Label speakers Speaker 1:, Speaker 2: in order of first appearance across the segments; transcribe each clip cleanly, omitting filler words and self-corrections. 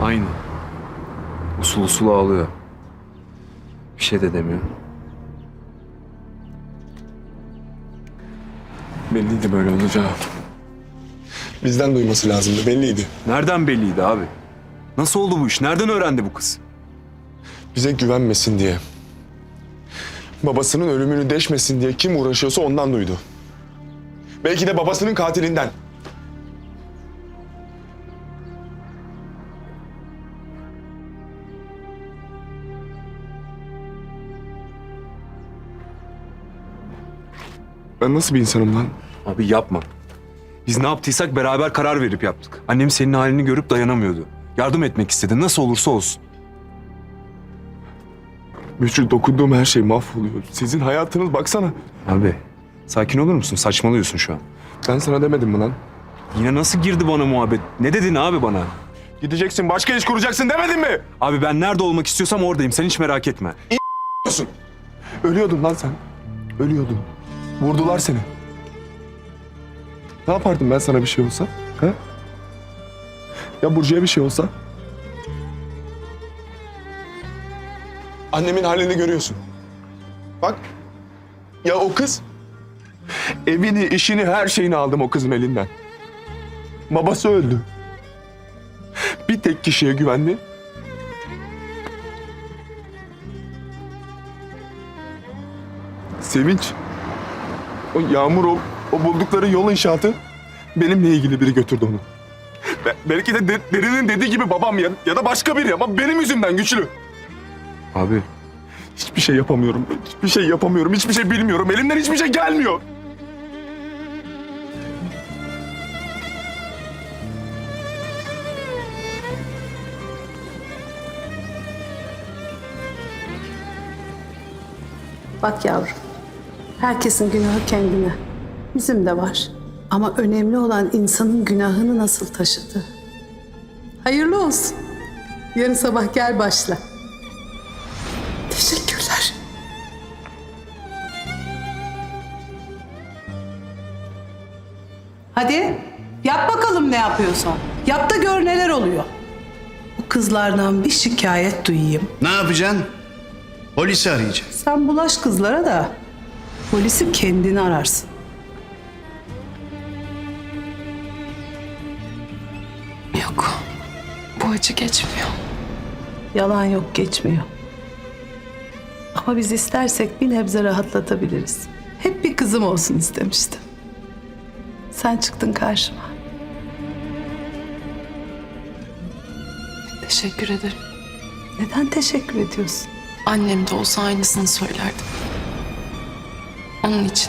Speaker 1: Aynı. Usul usul ağlıyor. Bir şey de demiyor.
Speaker 2: Belliydi böyle olacağı. Bizden duyması lazımdı, belliydi.
Speaker 1: Nereden belliydi abi? Nasıl oldu bu iş? Nereden öğrendi bu kız?
Speaker 2: Bize güvenmesin diye. Babasının ölümünü deşmesin diye kim uğraşıyorsa ondan duydu. Belki de babasının katilinden. Ben nasıl bir insanım lan?
Speaker 1: Abi yapma. Biz ne yaptıysak beraber karar verip yaptık. Annem senin halini görüp dayanamıyordu. Yardım etmek istedi. Nasıl olursa olsun.
Speaker 2: Güçlü dokunduğum her şey mahvoluyor. Sizin hayatınız baksana.
Speaker 1: Abi sakin olur musun? Saçmalıyorsun şu an.
Speaker 2: Ben sana demedim mi lan?
Speaker 1: Yine nasıl girdi bana muhabbet? Ne dedin abi bana?
Speaker 2: Gideceksin, başka iş kuracaksın demedim mi?
Speaker 1: Abi ben nerede olmak istiyorsam oradayım. Sen hiç merak etme.
Speaker 2: Ölüyordun lan sen. Ölüyordun. Vurdular seni. Ne yapardım ben sana bir şey olsa? Ha? Ya Burcu'ya bir şey olsa? Annemin halini görüyorsun. Bak. Ya o kız. Evini, işini, her şeyini aldım o kızın elinden. Babası öldü. Bir tek kişiye güvendi. Sevinç. O Yağmur, o buldukları yol inşaatı benimle ilgili biri götürdü onu. Belki de Derin'in dediği gibi babam ya da başka biri ama benim yüzümden Güçlü.
Speaker 1: Abi
Speaker 2: Hiçbir şey yapamıyorum. Hiçbir şey yapamıyorum. Hiçbir şey bilmiyorum. Elimden hiçbir şey gelmiyor.
Speaker 3: Bak yavrum, herkesin günahı kendine. Bizim de var. Ama önemli olan insanın günahını nasıl taşıdığı. Hayırlı olsun. Yarın sabah gel başla. Teşekkürler. Hadi yap bakalım ne yapıyorsan. Yap da gör neler oluyor. Bu kızlardan bir şikayet duyayım.
Speaker 4: Ne yapacaksın? Polisi arayacaksın.
Speaker 3: Sen bulaş kızlara da polisi kendini ararsın.
Speaker 5: Yok. Bu acı geçmiyor.
Speaker 3: Yalan yok, geçmiyor. Ama biz istersek bir nebze rahatlatabiliriz. Hep bir kızım olsun istemiştim. Sen çıktın karşıma.
Speaker 5: Teşekkür ederim.
Speaker 3: Neden teşekkür ediyorsun?
Speaker 5: Annem de olsa aynısını söylerdim. Onun için.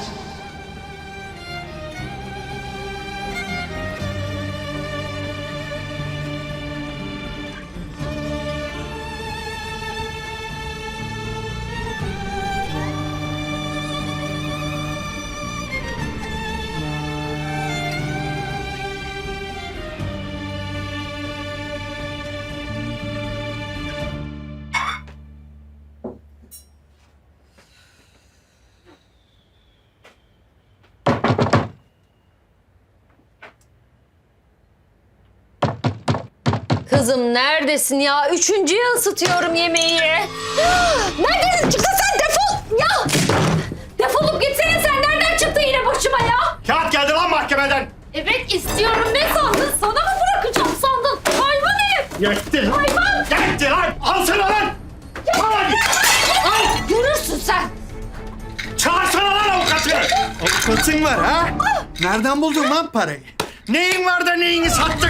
Speaker 6: Kızım neredesin ya? Üçüncüye ısıtıyorum yemeği. Nereden çıktın sen? Defol! Ya! Defolup gitsene sen. Nereden çıktın yine başıma ya?
Speaker 4: Kağıt geldi lan mahkemeden.
Speaker 6: Evet istiyorum. Ne sandın? Sana mı bırakacağım sandın? Hayvan herif!
Speaker 4: Yetti.
Speaker 6: Hayvan!
Speaker 4: Yetti lan. Al sana lan. Al hadi. Al.
Speaker 6: Görürsün sen.
Speaker 4: Çağırsana lan avukatı. Avukatın var ha? Nereden buldun lan parayı? Neyin var da neyini sattık?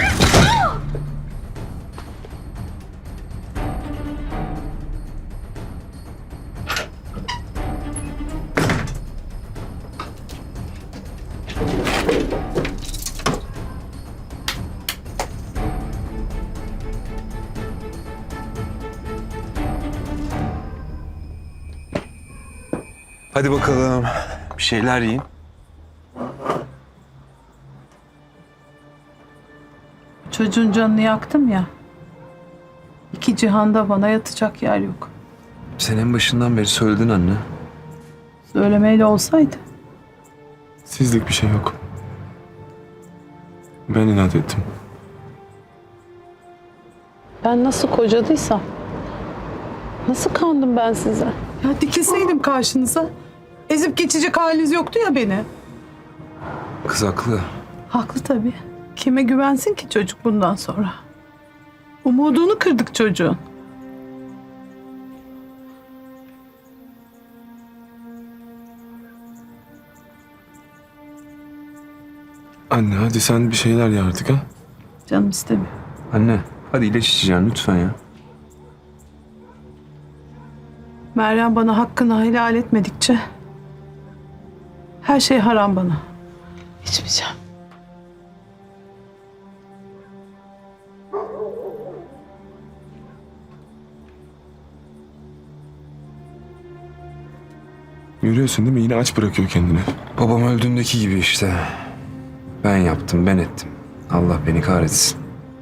Speaker 1: hadi bakalım. Bir şeyler yiyin.
Speaker 3: Çocuğun canını yaktım ya. İki cihanda bana yatacak yer yok.
Speaker 1: Sen en başından beri söyledin anne.
Speaker 3: Söylemeyle olsaydı.
Speaker 2: Sizlik bir şey yok. Ben inat ettim.
Speaker 3: Ben nasıl kocadıysam, nasıl kandım ben size?
Speaker 7: Ya dikilseydim karşınıza. Ezip geçecek haliniz yoktu ya beni.
Speaker 1: Kız haklı.
Speaker 7: Haklı tabii. Kime güvensin ki çocuk bundan sonra? Umudunu kırdık çocuğun.
Speaker 2: Anne hadi sen bir şeyler ye artık ha.
Speaker 7: Canım istemiyor.
Speaker 1: Anne hadi ilaç içeceksin lütfen ya.
Speaker 7: Meryem bana hakkını helal etmedikçe her şey haram bana. İçmeyeceğim.
Speaker 2: Görüyorsun değil mi? Yine aç bırakıyor kendini.
Speaker 1: Babam öldüğündeki gibi işte. Ben yaptım, ben ettim. Allah beni kahretsin.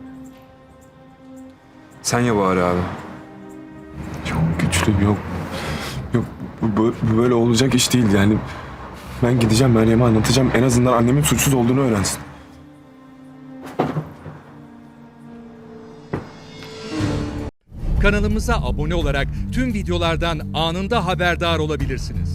Speaker 1: Sen ya bari abi.
Speaker 2: Yok güçlü yok. Yok bu böyle olacak iş değil yani. Ben gideceğim Meryem'e anlatacağım. En azından annemin suçsuz olduğunu öğrensin.
Speaker 8: Kanalımıza abone olarak tüm videolardan anında haberdar olabilirsiniz.